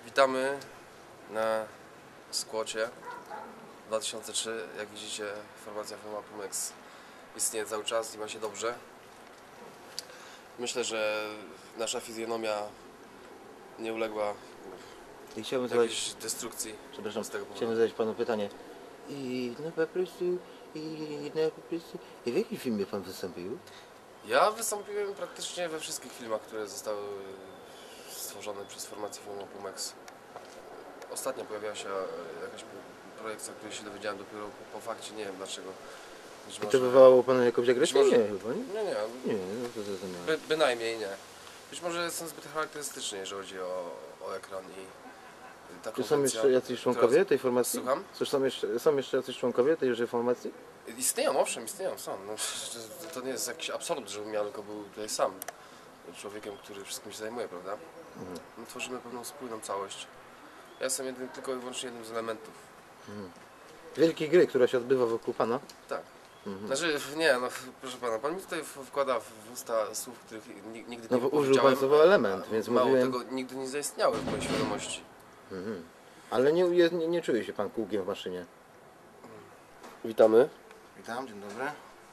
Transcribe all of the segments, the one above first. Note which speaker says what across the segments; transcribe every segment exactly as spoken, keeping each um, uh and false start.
Speaker 1: Witamy na Skłocie dwa tysiące trzy. Jak widzicie, formacja firma Pumex istnieje cały czas i ma się dobrze. Myślę, że nasza fizjonomia nie uległa
Speaker 2: I chciałbym
Speaker 1: jakiejś
Speaker 2: zadać,
Speaker 1: destrukcji.
Speaker 2: przepraszam,
Speaker 1: z tego powodu.
Speaker 2: chciałbym zadać panu pytanie. I no po prostu, i no po prostu, i w jakim filmie pan wystąpił?
Speaker 1: Ja wystąpiłem praktycznie we wszystkich filmach, które zostały stworzone przez formację firma Pumex. Ostatnio pojawiła się jakaś projekcja, o której się dowiedziałem dopiero po, po fakcie, nie wiem dlaczego. Być
Speaker 2: I to
Speaker 1: może-
Speaker 2: wywołało panu jakąś agresję?
Speaker 1: może-
Speaker 2: Nie, chyba nie?
Speaker 1: Nie, nie,
Speaker 2: Nie, no to zrozumiałem.
Speaker 1: by, bynajmniej nie. Być może jestem zbyt charakterystyczny, jeżeli chodzi o, o ekran i ta
Speaker 2: Czy są
Speaker 1: konwencja,
Speaker 2: jeszcze jacyś członkowie
Speaker 1: która-
Speaker 2: tej formacji?
Speaker 1: Słucham?
Speaker 2: Czy są jeszcze, są jeszcze jacyś członkowie tejże formacji?
Speaker 1: Istnieją, owszem, istnieją, są. No, to nie jest jakiś absolut, żebym ja tylko był tutaj sam człowiekiem, który wszystkim się zajmuje, prawda?
Speaker 2: Mhm.
Speaker 1: No, tworzymy pewną spójną całość. Ja jestem jednym, tylko i wyłącznie jednym z elementów.
Speaker 2: Mhm. Wielkiej gry, która się odbywa wokół pana?
Speaker 1: Tak.
Speaker 2: Mhm.
Speaker 1: Znaczy, nie, no proszę pana, pan mi tutaj wkłada w usta słów, których ni- nigdy
Speaker 2: No
Speaker 1: nie
Speaker 2: bo użył
Speaker 1: powiedziałem.
Speaker 2: pan słowa element, więc
Speaker 1: Mało
Speaker 2: mówiłem...
Speaker 1: tego, nigdy nie zaistniały w mojej świadomości.
Speaker 2: Mhm. Ale nie, nie, nie czuje się pan kółkiem w maszynie.
Speaker 1: Witamy.
Speaker 2: Witam, dzień dobry.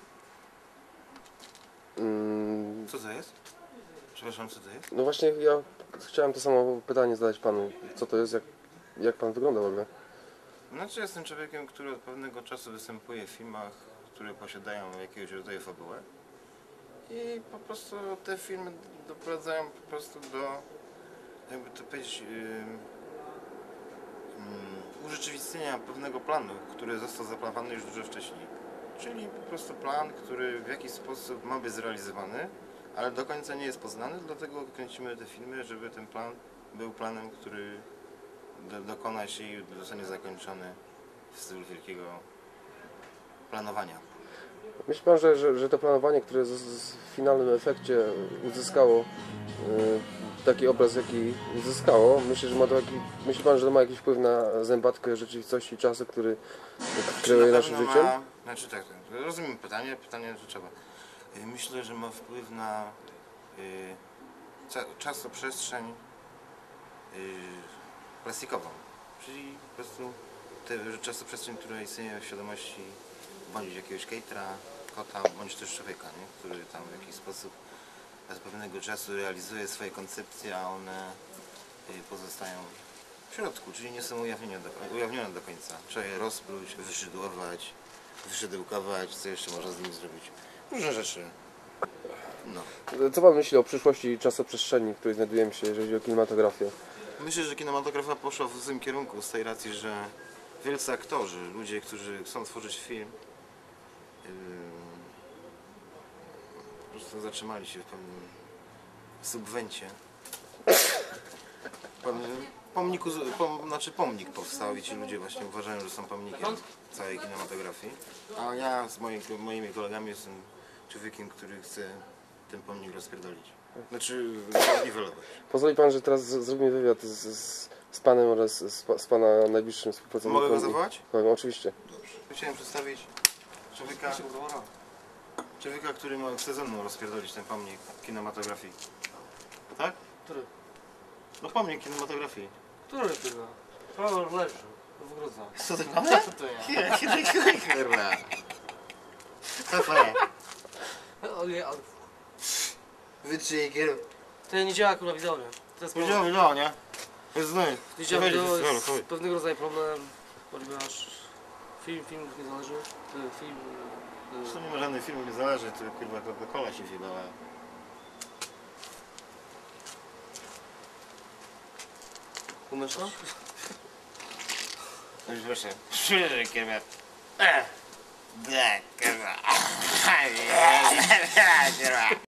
Speaker 1: Mm,
Speaker 2: Co to jest? Przepraszam, co to jest?
Speaker 1: no właśnie, ja chciałem to samo pytanie zadać panu. Co to jest, jak, jak pan wygląda w ogóle?
Speaker 3: Znaczy jestem człowiekiem, który od pewnego czasu występuje w filmach, które posiadają jakiegoś rodzaju fabułę i po prostu te filmy doprowadzają po prostu do, jakby to powiedzieć, yy, yy, urzeczywistnienia pewnego planu, który został zaplanowany już dużo wcześniej. Czyli po prostu plan, który w jakiś sposób ma być zrealizowany, ale do końca nie jest poznany, dlatego kręcimy te filmy, żeby ten plan był planem, który do, dokona się i zostanie zakończony w stylu wielkiego planowania.
Speaker 1: Myśli pan, że, że, że to planowanie, które z, z w finalnym efekcie uzyskało y, taki obraz, jaki uzyskało, myślę, że ma to jaki, myśli pan, że to ma jakiś wpływ na zębatkę rzeczywistości i czasu, który kieruje
Speaker 3: Na
Speaker 1: naszym
Speaker 3: pewno
Speaker 1: życiem?
Speaker 3: ma, znaczy tak, tak, rozumiem pytanie, pytanie że trzeba. Y, Myślę, że ma wpływ na y, ca, czasoprzestrzeń y, plastikową, czyli po prostu tę czasoprzestrzeń, która istnieje w świadomości bądź jakiegoś catera, kota, bądź też człowieka, nie? Który tam w jakiś sposób z pewnego czasu realizuje swoje koncepcje, a one y, pozostają w środku, czyli nie są ujawnione do, ujawnione do końca. Trzeba je rozpluć, wyszydłować, wyszydełkować, co jeszcze można z nimi zrobić. Różne rzeczy. No.
Speaker 1: Co pan myśli o przyszłości czasoprzestrzeni, w której znajdujemy się, jeżeli chodzi o kinematografię?
Speaker 3: Myślę, że kinematografia poszła w złym kierunku z tej racji, że wielcy aktorzy, ludzie, którzy chcą tworzyć film, yy, po prostu zatrzymali się w pewnym subwencie. Pewnym pomniku, pom, znaczy pomnik powstał i ci ludzie właśnie uważają, że są pomnikiem całej kinematografii. A ja z moimi, moimi kolegami jestem człowiekiem, który chce ten pomnik rozpierdolić. Znaczy niwelować.
Speaker 1: Pozwoli pan, że teraz z- zrobimy wywiad z, z, z panem oraz z, pa- z pana najbliższym współpracownikiem.
Speaker 3: Mogę go zawołać?
Speaker 1: Tak, oczywiście.
Speaker 3: Dobrze. Chciałem przedstawić człowieka, człowieka, który ma, chce ze mną rozpierdolić ten pomnik kinematografii. Tak?
Speaker 4: Który?
Speaker 3: No pomnik kinematografii.
Speaker 4: Który kurwa? Prawo leży. W grudza.
Speaker 3: Co ty mamy?
Speaker 4: To ja.
Speaker 3: Kurwa. Co to jest?
Speaker 4: O nie, ale...
Speaker 3: Wytrzyj kierunek.
Speaker 4: To nie działa kurwa widzowie. To jest problem.
Speaker 3: Widziałem, no nie? Jest znany.
Speaker 4: Nie działa wideo,
Speaker 3: Chodź,
Speaker 4: jest
Speaker 3: chodź.
Speaker 4: pewnego rodzaju problem, ponieważ film, film nie zależy. Y, Film... y,
Speaker 3: To nie ma żadnych filmów, nie zależy, to kurwa Coca-Cola się wjebała.
Speaker 4: Umiesz to?
Speaker 3: No już proszę. Przyjrzyj kurwa. Tak, kurwa. Kurwa.